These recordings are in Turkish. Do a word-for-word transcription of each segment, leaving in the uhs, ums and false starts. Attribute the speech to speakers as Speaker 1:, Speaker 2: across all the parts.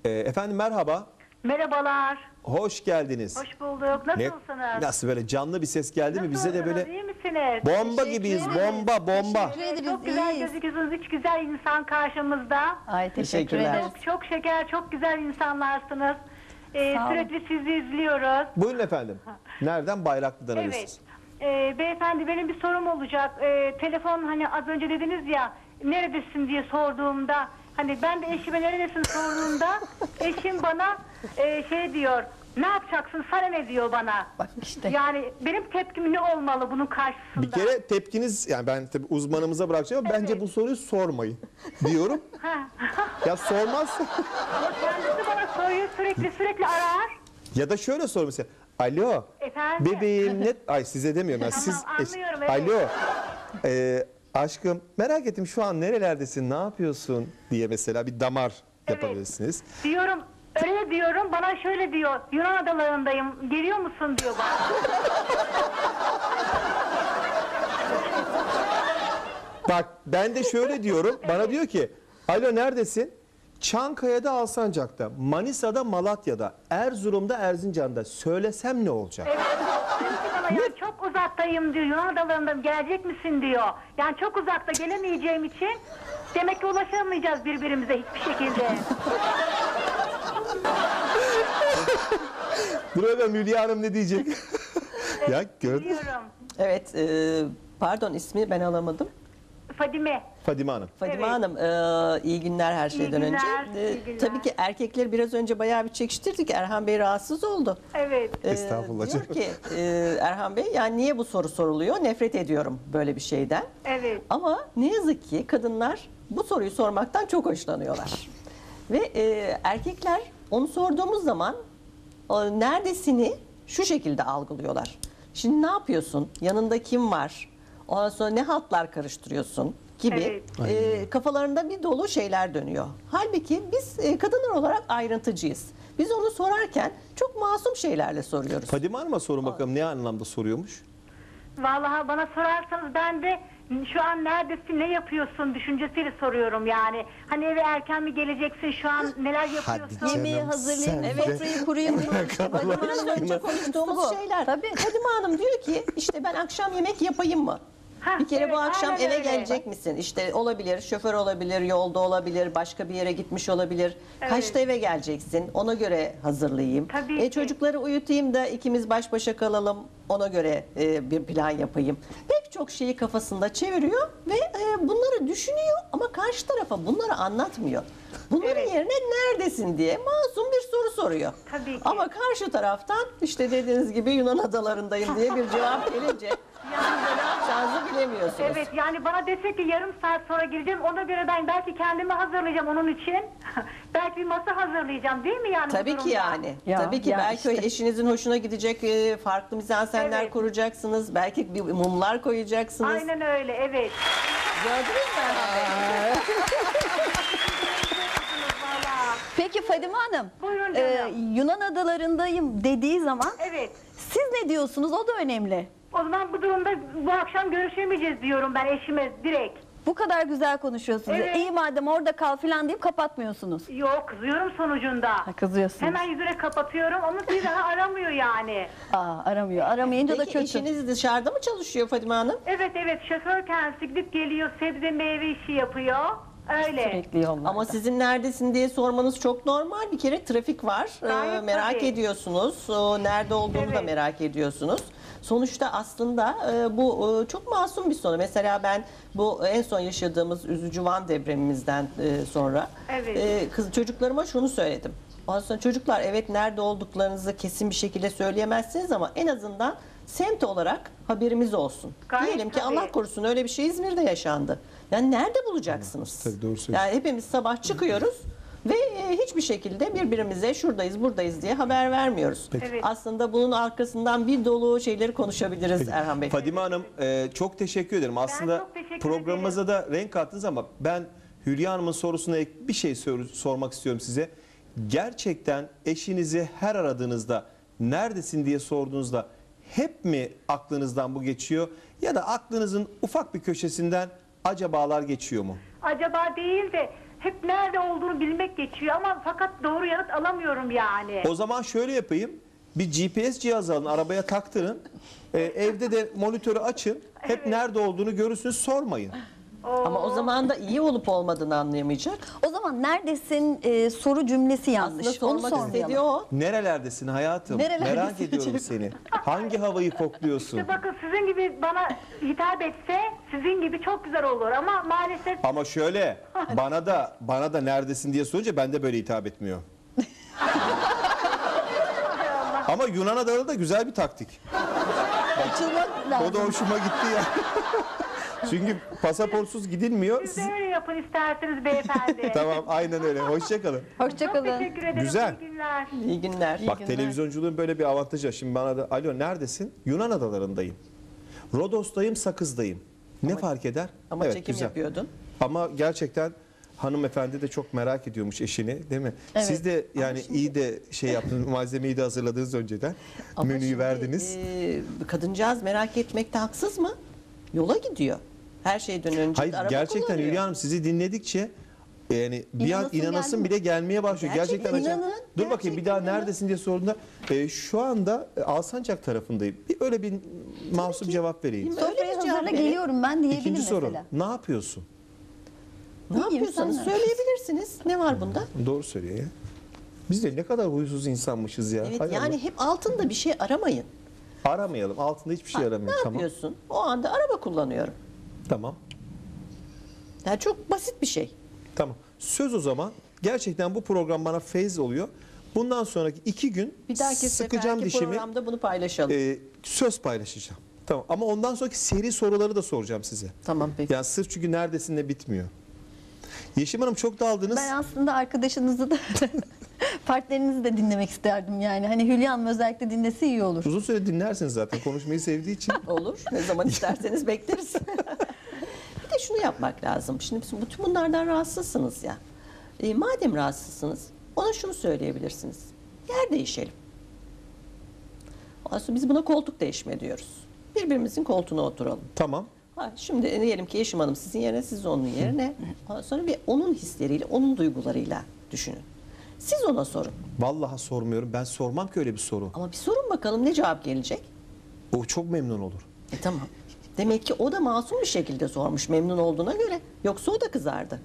Speaker 1: Ee, efendim merhaba.
Speaker 2: Merhabalar.
Speaker 1: Hoş geldiniz.
Speaker 2: Hoş bulduk. Nasılsınız?
Speaker 1: Nasıl böyle canlı bir ses geldi mi? Bize de
Speaker 2: Nasılsınız,
Speaker 1: böyle
Speaker 2: iyi misiniz?
Speaker 1: bomba
Speaker 3: Teşekkür
Speaker 1: gibiyiz.
Speaker 3: ederiz.
Speaker 1: Bomba bomba.
Speaker 3: Teşekkür ederiz.
Speaker 2: Çok güzel
Speaker 3: iyiyiz.
Speaker 2: gözüküyorsunuz. Üç güzel insan karşımızda.
Speaker 3: Ay teşekkür
Speaker 4: Teşekkürler.
Speaker 3: ederiz.
Speaker 2: Çok, çok şeker, çok güzel insanlarsınız. Ee,
Speaker 3: Sağ olun.
Speaker 2: sürekli sizi izliyoruz.
Speaker 1: Buyurun efendim. Nereden? Bayraklı'dan
Speaker 2: Evet.
Speaker 1: arıyorsunuz.
Speaker 2: Ee, beyefendi benim bir sorum olacak. Ee, telefon hani az önce dediniz ya neredesin diye sorduğumda hani ben de eşime neredesin sorduğumda eşim bana e, şey diyor. Ne yapacaksın? Sana ne diyor bana?
Speaker 3: Bak işte.
Speaker 2: Yani benim tepkim ne olmalı bunun karşısında?
Speaker 1: Bir kere tepkiniz, yani ben tabii uzmanımıza bırakacağım ama bence
Speaker 2: Evet.
Speaker 1: bu soruyu sormayın diyorum.
Speaker 2: Ha.
Speaker 1: Ya sormazsa
Speaker 2: Kendisi bana soruyor sürekli sürekli arar.
Speaker 1: ya da şöyle sor mesela. Alo.
Speaker 2: Efendim?
Speaker 1: Bebeğim ne? Ay size demiyorum ben.
Speaker 2: Tamam,
Speaker 1: Siz
Speaker 2: anlıyorum, evet.
Speaker 1: Alo. Ee, aşkım merak ettim şu an nerelerdesin? Ne yapıyorsun diye mesela bir damar
Speaker 2: Evet.
Speaker 1: yapabilirsiniz.
Speaker 2: Diyorum öyle diyorum bana şöyle diyor Yunan adalarındayım geliyor musun diyor bana.
Speaker 1: Bak ben de şöyle diyorum. Bana diyor ki alo neredesin? Çankaya'da Alsancak'ta, Manisa'da Malatya'da, Erzurum'da Erzincan'da. Söylesem ne olacak?
Speaker 2: Evet. Diyor ki bana, yani çok uzaktayım diyor Yunan adalarındayım gelecek misin diyor. Yani çok uzakta gelemeyeceğim için demek ki ulaşamayacağız birbirimize hiçbir şekilde.
Speaker 1: Dur bakalım Hülya Hanım ne diyecek? Ya gördün mü?
Speaker 2: Biliyorum.
Speaker 4: Evet, e, pardon ismi ben alamadım.
Speaker 2: Fadime.
Speaker 1: Fadime Hanım.
Speaker 4: Fadime
Speaker 2: Evet.
Speaker 4: Hanım, e, iyi günler her şeyden
Speaker 2: günler,
Speaker 4: önce. E,
Speaker 2: iyi günler.
Speaker 4: Tabii ki erkekleri biraz önce bayağı bir çekiştirdik. Erhan Bey rahatsız oldu.
Speaker 2: Evet.
Speaker 4: E,
Speaker 1: Estağfurullah
Speaker 4: Diyor
Speaker 1: canım.
Speaker 4: ki e, Erhan Bey, yani niye bu soru soruluyor? Nefret ediyorum böyle bir şeyden.
Speaker 2: Evet.
Speaker 4: Ama ne yazık ki kadınlar bu soruyu sormaktan çok hoşlanıyorlar. Ve e, erkekler onu sorduğumuz zaman o neredesini şu şekilde algılıyorlar. Şimdi ne yapıyorsun? Yanında kim var? Ondan sonra ne hatlar karıştırıyorsun gibi e, kafalarında bir dolu şeyler dönüyor. Halbuki biz e, kadınlar olarak ayrıntıcıyız. Biz onu sorarken çok masum şeylerle soruyoruz.
Speaker 1: Fadime Hanım'a sorun bakalım ne anlamda soruyormuş?
Speaker 2: Vallahi bana sorarsanız ben de şu an neredesin, ne yapıyorsun düşüncesiyle soruyorum yani. Hani eve erken mi geleceksin, şu an neler yapıyorsun?
Speaker 1: canım.
Speaker 3: Yemeği hazırlayayım,
Speaker 1: sen
Speaker 3: evet, sofrayı kurayım.
Speaker 4: Fadime Hanım önce konuştuğumuz
Speaker 3: Bu.
Speaker 4: şeyler.
Speaker 3: Tabii.
Speaker 4: Fadime Hanım diyor ki işte ben akşam yemek yapayım mı?
Speaker 2: Hah,
Speaker 4: Bir kere
Speaker 2: evet,
Speaker 4: bu akşam
Speaker 2: aynen
Speaker 4: eve
Speaker 2: öyle.
Speaker 4: gelecek misin? İşte olabilir, şoför olabilir, yolda olabilir, başka bir yere gitmiş olabilir.
Speaker 2: Evet.
Speaker 4: Kaçta eve geleceksin? Ona göre hazırlayayım.
Speaker 2: Tabii
Speaker 4: E,
Speaker 2: ki.
Speaker 4: çocukları uyutayım da ikimiz baş başa kalalım. Ona göre e, bir plan yapayım. Pek çok şeyi kafasında çeviriyor ve e, bunları düşünüyor ama karşı tarafa bunları anlatmıyor. Bunların
Speaker 2: Evet.
Speaker 4: yerine neredesin diye masum bir soru soruyor.
Speaker 2: Tabii ki.
Speaker 4: Ama karşı taraftan işte dediğiniz gibi Yunan adalarındayım diye bir cevap gelince siz de ne yapacağınızı bilemiyorsunuz.
Speaker 2: Evet, yani bana dese ki yarım saat sonra geleceğim, ona göre ben belki kendimi hazırlayacağım onun için. Belki bir masa hazırlayacağım değil mi yani? bu
Speaker 4: Tabii ki
Speaker 2: durumda?
Speaker 4: yani.
Speaker 3: Ya,
Speaker 4: Tabii ki
Speaker 3: ya
Speaker 4: belki
Speaker 3: işte.
Speaker 4: eşinizin hoşuna gidecek e, farklı mizansenler
Speaker 2: Evet.
Speaker 4: kuracaksınız. Belki bir mumlar koyacaksınız.
Speaker 2: Aynen öyle, evet.
Speaker 4: Gördünüz mü Erhan Bey?
Speaker 2: Vallahi.
Speaker 3: Peki Fadime Hanım,
Speaker 2: Buyurun
Speaker 3: e,
Speaker 2: canım.
Speaker 3: Yunan adalarındayım dediği zaman
Speaker 2: Evet.
Speaker 3: siz ne diyorsunuz? O da önemli.
Speaker 2: O zaman bu durumda bu akşam görüşemeyeceğiz diyorum ben eşime direkt.
Speaker 3: Bu kadar güzel konuşuyorsunuz.
Speaker 2: Evet.
Speaker 3: İyi madem orada kal falan deyip kapatmıyorsunuz.
Speaker 2: Yok, kızıyorum sonucunda.
Speaker 3: Ha, kızıyorsunuz.
Speaker 2: Hemen yüzüne kapatıyorum ama bir daha aramıyor yani.
Speaker 3: Aa, aramıyor. Aramayınca da
Speaker 4: Peki
Speaker 3: kötü.
Speaker 4: eşiniz dışarıda mı çalışıyor Fadime Hanım?
Speaker 2: Evet evet, şoför kendisi gidip geliyor, sebze meyve işi yapıyor. Öyle.
Speaker 3: Sürekli yollarda.
Speaker 4: Ama sizin neredesin diye sormanız çok normal. Bir kere trafik var. Ee,
Speaker 2: Gayet
Speaker 4: merak
Speaker 2: tabii.
Speaker 4: ediyorsunuz. O nerede olduğunu da
Speaker 2: Evet.
Speaker 4: merak ediyorsunuz. Sonuçta aslında e, bu e, çok masum bir soru. Mesela ben bu en son yaşadığımız üzücü Van depremimizden e, sonra
Speaker 2: Evet.
Speaker 4: e, kız çocuklarıma şunu söyledim. Ondan sonra çocuklar evet nerede olduklarınızı kesin bir şekilde söyleyemezsiniz ama en azından semt olarak haberimiz olsun.
Speaker 2: Gayet
Speaker 4: Diyelim ki
Speaker 2: tabii.
Speaker 4: Allah korusun öyle bir şey İzmir'de yaşandı. Yani nerede bulacaksınız?
Speaker 1: Tabii, doğru söylüyorsun.
Speaker 4: Yani hepimiz sabah çıkıyoruz ve e, hiçbir şekilde birbirimize şuradayız buradayız diye haber vermiyoruz.
Speaker 1: Peki.
Speaker 2: Evet.
Speaker 4: Aslında bunun arkasından bir dolu şeyleri konuşabiliriz Erhan Bey.
Speaker 1: Fadime Hanım e, çok teşekkür ederim. Aslında
Speaker 2: çok teşekkür
Speaker 1: programımıza da renk kattınız ama ben Hülya Hanım'ın sorusuna ek bir şey sor- sormak istiyorum size. Gerçekten eşinizi her aradığınızda neredesin diye sorduğunuzda hep mi aklınızdan bu geçiyor ya da aklınızın ufak bir köşesinden acabalar geçiyor mu?
Speaker 2: Acaba değil de hep nerede olduğunu bilmek geçiyor ama fakat doğru yanıt bulamıyorum yani.
Speaker 1: O zaman şöyle yapayım. Bir G P S cihazı alın, arabaya taktırın. Ee, evde de monitörü açın. Hep
Speaker 2: Evet.
Speaker 1: nerede olduğunu görürsünüz, sormayın.
Speaker 4: Ama o zaman da iyi olup olmadığını anlayamayacak.
Speaker 3: O zaman neredesin e, soru cümlesi yanlış.
Speaker 4: Aslında sormak
Speaker 3: Onu
Speaker 4: istediği
Speaker 3: sormayalım.
Speaker 4: o.
Speaker 1: Nerelerdesin hayatım?
Speaker 3: Nerelerdesin
Speaker 1: Merak ediyorum
Speaker 3: canım?
Speaker 1: seni. Hangi havayı kokluyorsun?
Speaker 2: İşte bakın sizin gibi bana hitap etse sizin gibi çok güzel olur ama maalesef
Speaker 1: Ama şöyle, bana da bana da neredesin diye sorunca ben de böyle hitap etmiyor. Ama Yunan adaları da güzel bir taktik.
Speaker 3: Açılmak
Speaker 1: O
Speaker 3: lazım.
Speaker 1: da hoşuma gitti ya. Çünkü pasaportsuz gidilmiyor.
Speaker 2: siz
Speaker 1: Siz-
Speaker 2: de öyle yapın isterseniz beyefendi.
Speaker 1: Tamam, aynen öyle. Hoşçakalın.
Speaker 2: Çok
Speaker 3: Hoşçakalın.
Speaker 2: teşekkür ederim.
Speaker 1: Güzel.
Speaker 2: İyi günler.
Speaker 4: İyi günler.
Speaker 1: Bak,
Speaker 3: günler.
Speaker 1: televizyonculuğun böyle bir avantajı var. Şimdi bana da alo neredesin? Yunan adalarındayım. Rodos'tayım, Sakız'dayım. Ne fark eder?
Speaker 4: Ama
Speaker 1: Evet,
Speaker 4: çekim
Speaker 1: güzel.
Speaker 4: yapıyordun.
Speaker 1: Ama gerçekten hanımefendi de çok merak ediyormuş eşini, değil mi?
Speaker 3: Evet.
Speaker 1: Siz de yani iyi de şey yaptınız, malzemeyi de hazırladınız önceden.
Speaker 4: Ama
Speaker 1: Menüyü
Speaker 4: şimdi,
Speaker 1: verdiniz.
Speaker 4: e, kadıncağız merak etmekte haksız mı? Yola gidiyor. Her şeyden önce
Speaker 1: Hayır,
Speaker 4: de araba
Speaker 1: gerçekten
Speaker 4: kullanıyor.
Speaker 1: Hülya Hanım sizi dinledikçe yani bir an
Speaker 3: İnanasın
Speaker 1: inanasın
Speaker 3: geldi mi?
Speaker 1: bile gelmeye başlıyor.
Speaker 4: Gerçekten
Speaker 1: Gerçekten, acayip.
Speaker 4: inanın,
Speaker 1: Dur bakayım bir daha
Speaker 4: gerçekten inanın.
Speaker 1: neredesin diye sorduğunda e, şu anda e, Alsancak tarafındayım. Bir öyle bir masum
Speaker 4: ki.
Speaker 1: cevap vereyim.
Speaker 4: Değil mi? Öyle
Speaker 3: Sofrayı
Speaker 4: bir cevap
Speaker 3: hazırla
Speaker 4: verin.
Speaker 3: geliyorum ben diyebilir
Speaker 1: İkinci soru.
Speaker 3: mesela.
Speaker 1: Ne yapıyorsun?
Speaker 4: Ne
Speaker 3: İyiyim,
Speaker 4: yapıyorsanız
Speaker 3: sen ne
Speaker 4: söyleyebilirsiniz. Ne var bunda?
Speaker 1: Doğru söylüyor ya. Biz de ne kadar huysuz insanmışız ya.
Speaker 4: Evet,
Speaker 1: Hay
Speaker 4: yani
Speaker 1: Allah.
Speaker 4: hep altında bir şey aramayın.
Speaker 1: Aramayalım. Altında hiçbir şey
Speaker 4: Ne
Speaker 1: aramayalım. Tamam.
Speaker 4: yapıyorsun? O anda araba kullanıyorum.
Speaker 1: Tamam.
Speaker 4: Yani çok basit bir şey.
Speaker 1: Tamam. Söz o zaman. Gerçekten bu program bana feyz oluyor. Bundan sonraki iki gün
Speaker 4: Bir dahaki
Speaker 1: sıkacağım
Speaker 4: seferki
Speaker 1: dişimi.
Speaker 4: programda bunu paylaşalım.
Speaker 1: e, söz paylaşacağım. Tamam. Ama ondan sonraki seri soruları da soracağım size.
Speaker 4: Tamam peki.
Speaker 1: Yani sırf çünkü neredesinle bitmiyor. Yeşim Hanım çok daldınız.
Speaker 3: Ben aslında arkadaşınızı da partnerinizi de dinlemek isterdim yani. Hani Hülya Hanım özellikle dinlese iyi olur.
Speaker 1: Uzun süre dinlersiniz zaten konuşmayı sevdiği için.
Speaker 4: Olur. Ne zaman isterseniz bekleriz. Bir de şunu yapmak lazım. Şimdi biz bütün bunlardan rahatsızsınız ya. E, madem rahatsızsınız ona şunu söyleyebilirsiniz. Yer değişelim. Aslında biz buna koltuk değişme diyoruz. Birbirimizin koltuğuna oturalım.
Speaker 1: Tamam.
Speaker 4: Ha, şimdi diyelim ki eşim hanım sizin yerine, siz onun yerine. Ondan sonra bir onun hisleriyle, onun duygularıyla düşünün. Siz ona sorun.
Speaker 1: Vallahi sormuyorum. Ben sormam ki öyle bir soru.
Speaker 4: Ama bir sorun bakalım ne cevap gelecek?
Speaker 1: O çok memnun olur.
Speaker 4: E tamam. Demek ki o da masum bir şekilde sormuş memnun olduğuna göre. Yoksa o da kızardı.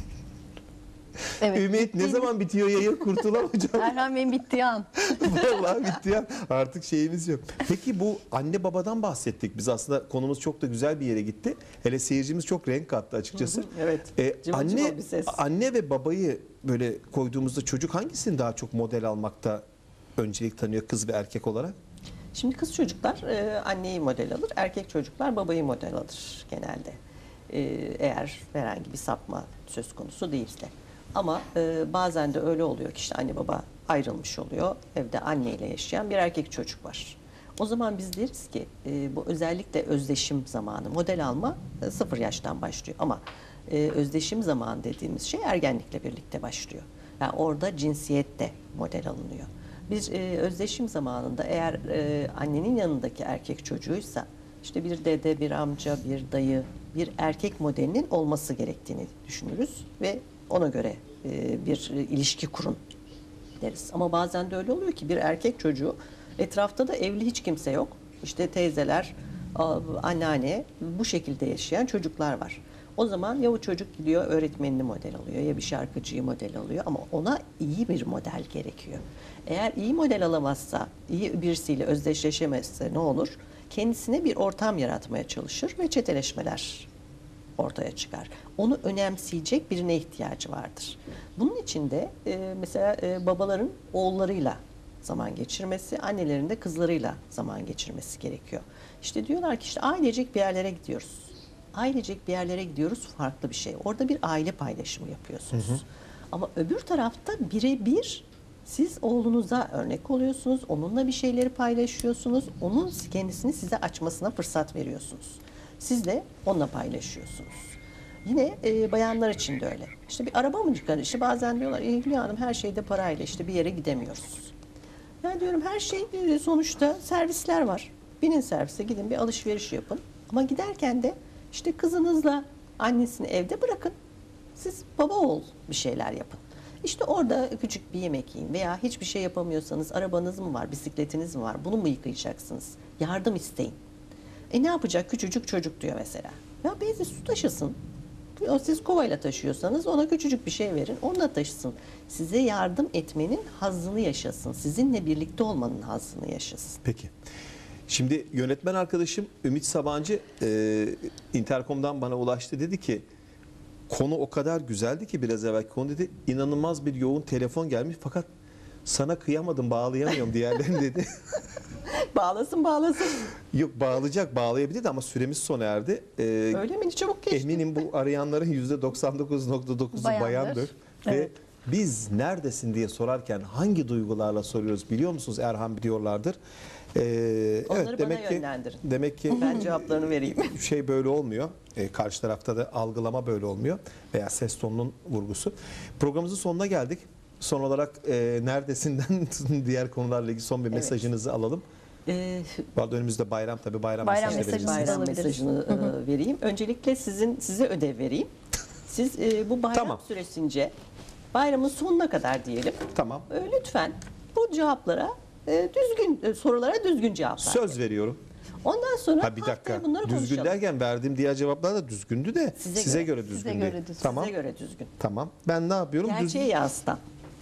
Speaker 3: Evet.
Speaker 1: Ümit ne zaman bitiyor yayın kurtulamayacağım.
Speaker 3: Erhan Bey'in bittiği an.
Speaker 1: Vallahi bitti ya. Artık şeyimiz yok. Peki bu anne babadan bahsettik. Biz aslında konumuz çok da güzel bir yere gitti. Hele seyircimiz çok renk kattı açıkçası.
Speaker 4: Hı hı, evet.
Speaker 1: Ee,
Speaker 4: Cıvıl
Speaker 1: anne
Speaker 4: cıvıl bir ses.
Speaker 1: anne ve babayı böyle koyduğumuzda çocuk hangisini daha çok model almakta öncelik tanıyor kız ve erkek olarak?
Speaker 4: Şimdi kız çocuklar e, anneyi model alır, erkek çocuklar babayı model alır genelde. E, eğer herhangi bir sapma söz konusu değilse. Ama e, bazen de öyle oluyor ki işte anne baba ayrılmış oluyor. Evde anneyle yaşayan bir erkek çocuk var. O zaman biz deriz ki e, bu özellikle özdeşim zamanı, model alma e, sıfır yaştan başlıyor. Ama e, özdeşim zamanı dediğimiz şey ergenlikle birlikte başlıyor. Yani orada cinsiyet de model alınıyor. Bir e, özdeşim zamanında eğer e, annenin yanındaki erkek çocuğuysa işte bir dede, bir amca, bir dayı, bir erkek modelinin olması gerektiğini düşünürüz ve ona göre e, bir e, ilişki kurun deriz. Ama bazen de öyle oluyor ki bir erkek çocuğu etrafta da evli hiç kimse yok. İşte teyzeler, a- anneanne bu şekilde yaşayan çocuklar var. O zaman ya o çocuk gidiyor öğretmenini model alıyor ya bir şarkıcıyı model alıyor ama ona iyi bir model gerekiyor. Eğer iyi model alamazsa, iyi birisiyle özdeşleşemezse ne olur? Kendisine bir ortam yaratmaya çalışır ve çeteleşmeler ortaya çıkar. Onu önemseyecek birine ihtiyacı vardır. Bunun için de e, mesela e, babaların oğullarıyla zaman geçirmesi, annelerin de kızlarıyla zaman geçirmesi gerekiyor. İşte diyorlar ki işte ailecek bir yerlere gidiyoruz. Ailecek bir yerlere gidiyoruz farklı bir şey. Orada bir aile paylaşımı yapıyorsunuz. Hı hı. Ama öbür tarafta birebir siz oğlunuza örnek oluyorsunuz. Onunla bir şeyleri paylaşıyorsunuz. Onun kendisini size açmasına fırsat veriyorsunuz. Siz de onunla paylaşıyorsunuz. Yine e, bayanlar için de öyle. İşte bir araba mı çıkar? İşte bazen diyorlar e, Hülya Hanım her şeyde parayla işte bir yere gidemiyoruz. Ben diyorum her şey e, sonuçta servisler var. Binin servise gidin bir alışveriş yapın. Ama giderken de işte kızınızla annesini evde bırakın. Siz baba oğul bir şeyler yapın. İşte orada küçük bir yemek yiyin veya hiçbir şey yapamıyorsanız arabanız mı var, bisikletiniz mi var? Bunu mu yıkayacaksınız? Yardım isteyin. E ne yapacak? Küçücük çocuk diyor mesela. Ya beyzi su taşısın. Siz kovayla taşıyorsanız ona küçücük bir şey verin, onunla taşısın. Size yardım etmenin hazzını yaşasın. Sizinle birlikte olmanın hazzını yaşasın.
Speaker 1: Peki. Şimdi yönetmen arkadaşım Ümit Sabancı e, Intercom'dan bana ulaştı. Dedi ki konu o kadar güzeldi ki biraz evvelki konu dedi. İnanılmaz bir yoğun telefon gelmiş fakat sana kıyamadım, bağlayamıyorum diğerlerini dedi.
Speaker 4: Bağlasın bağlasın.
Speaker 1: Yok bağlayacak, bağlayabilirdi ama süremiz sona erdi. E,
Speaker 4: Öyle mi? Çabuk geçti.
Speaker 1: eminim bu arayanların yüzde doksan dokuz nokta dokuzu
Speaker 3: Bayandır.
Speaker 1: bayandır.
Speaker 3: Evet.
Speaker 1: Ve biz neredesin diye sorarken hangi duygularla soruyoruz biliyor musunuz? Erhan biliyorlardır. Ee,
Speaker 4: Onları
Speaker 1: evet,
Speaker 4: bana
Speaker 1: demek ki
Speaker 4: yönlendirin.
Speaker 1: demek ki
Speaker 4: Ben cevaplarını vereyim.
Speaker 1: şey böyle olmuyor. Ee, karşı tarafta da algılama böyle olmuyor veya ses tonunun vurgusu. Programımızın sonuna geldik. Son olarak e, neredesinden diğer konularla ilgili son bir
Speaker 4: Evet.
Speaker 1: mesajınızı alalım.
Speaker 4: Ee,
Speaker 1: Bu arada önümüzde bayram tabii bayram,
Speaker 3: Bayram
Speaker 1: mesajı da
Speaker 3: mesajını
Speaker 1: verirsiniz.
Speaker 4: bayram
Speaker 3: alabiliriz.
Speaker 4: mesajını e, vereyim. Öncelikle sizin size ödev vereyim. Siz e, bu bayram
Speaker 1: Tamam.
Speaker 4: süresince bayramın sonuna kadar diyelim.
Speaker 1: Tamam.
Speaker 4: e, lütfen bu cevaplara e, düzgün e, sorulara düzgün cevaplar.
Speaker 1: Söz veriyorum.
Speaker 4: Ondan sonra
Speaker 1: Ha bir dakika.
Speaker 4: haftaya bunları
Speaker 1: Düzgün
Speaker 4: konuşalım.
Speaker 1: derken verdiğim diğer cevaplar da düzgündü de size,
Speaker 4: Size
Speaker 1: göre,
Speaker 4: göre.
Speaker 1: düzgün
Speaker 3: Size
Speaker 1: değil.
Speaker 3: göre düzgün.
Speaker 1: Tamam.
Speaker 4: Size göre düzgün.
Speaker 1: Tamam. Ben ne yapıyorum?
Speaker 4: Gerçeği
Speaker 1: Düzgün.
Speaker 4: yansıtan.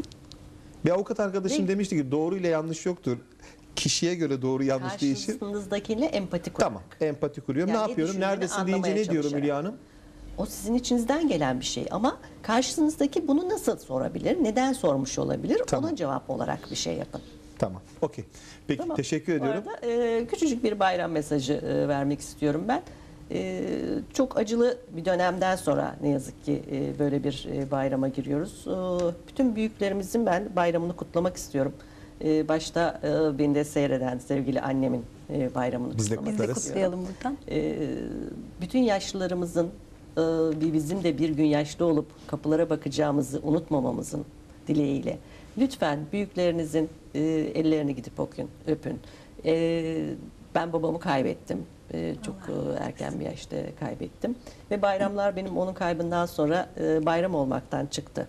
Speaker 1: Bir avukat arkadaşım
Speaker 4: Ne?
Speaker 1: demişti ki doğru ile yanlış yoktur. Kişiye göre doğru yanlış değişir.
Speaker 4: Karşınızdakiyle empati kurarak.
Speaker 1: Tamam. Empati kuruyorum.
Speaker 4: Yani
Speaker 1: ne
Speaker 4: ne
Speaker 1: yapıyorum?
Speaker 4: düşündüğünü
Speaker 1: Neredesin deyince
Speaker 4: anlamaya
Speaker 1: ne diyorum
Speaker 4: çalışarak.
Speaker 1: Hülya Hanım?
Speaker 4: O sizin içinizden gelen bir şey ama karşınızdaki bunu nasıl sorabilir? Neden sormuş olabilir?
Speaker 1: Tamam.
Speaker 4: Ona cevap olarak bir şey yapın.
Speaker 1: Tamam. Okey. Peki
Speaker 4: Tamam.
Speaker 1: teşekkür
Speaker 4: Bu
Speaker 1: ediyorum.
Speaker 4: arada e, küçücük bir bayram mesajı e, vermek istiyorum ben. E, çok acılı bir dönemden sonra ne yazık ki e, böyle bir e, bayrama giriyoruz. E, bütün büyüklerimizin ben bayramını kutlamak istiyorum. E, başta e, beni de seyreden sevgili annemin e, bayramını
Speaker 1: Biz de
Speaker 4: kutlamak
Speaker 3: Biz de
Speaker 1: Kutlarız.
Speaker 3: kutlayalım buradan.
Speaker 4: e, bütün yaşlılarımızın e, bir bizim de bir gün yaşlı olup kapılara bakacağımızı unutmamamızın dileğiyle. Lütfen büyüklerinizin e, ellerini gidip okuyun, öpün. E, ben babamı kaybettim. E, çok e, erken bir yaşta kaybettim. Ve bayramlar benim onun kaybından sonra e, bayram olmaktan çıktı.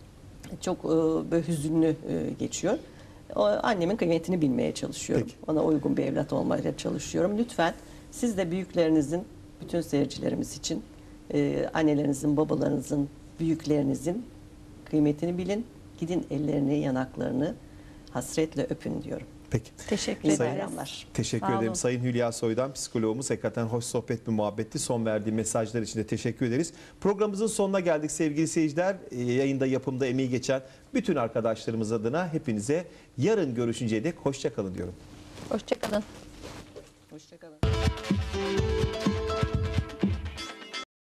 Speaker 4: Çok e, böyle hüzünlü e, geçiyor. O, annemin kıymetini bilmeye çalışıyorum.
Speaker 1: Peki.
Speaker 4: Ona uygun bir evlat olmaya çalışıyorum. Lütfen siz de büyüklerinizin, bütün seyircilerimiz için e, annelerinizin, babalarınızın, büyüklerinizin kıymetini bilin. Gidin ellerini, yanaklarını hasretle öpün diyorum.
Speaker 1: Peki.
Speaker 3: Teşekkür
Speaker 4: İyi
Speaker 1: Sayın-
Speaker 3: ederiz.
Speaker 4: bayramlar.
Speaker 1: Teşekkür
Speaker 3: Sağ
Speaker 1: ederim.
Speaker 3: olun.
Speaker 1: Sayın Hülya Soydan, psikologumuz. Hakikaten hoş sohbet bir muhabbetti. Son verdiği mesajlar için de teşekkür ederiz. Programımızın sonuna geldik sevgili seyirciler. Ee, Yayında, yapımda emeği geçen bütün arkadaşlarımız adına hepinize yarın görüşünceye dek hoşça kalın diyorum.
Speaker 3: Hoşçakalın.
Speaker 4: Hoşçakalın.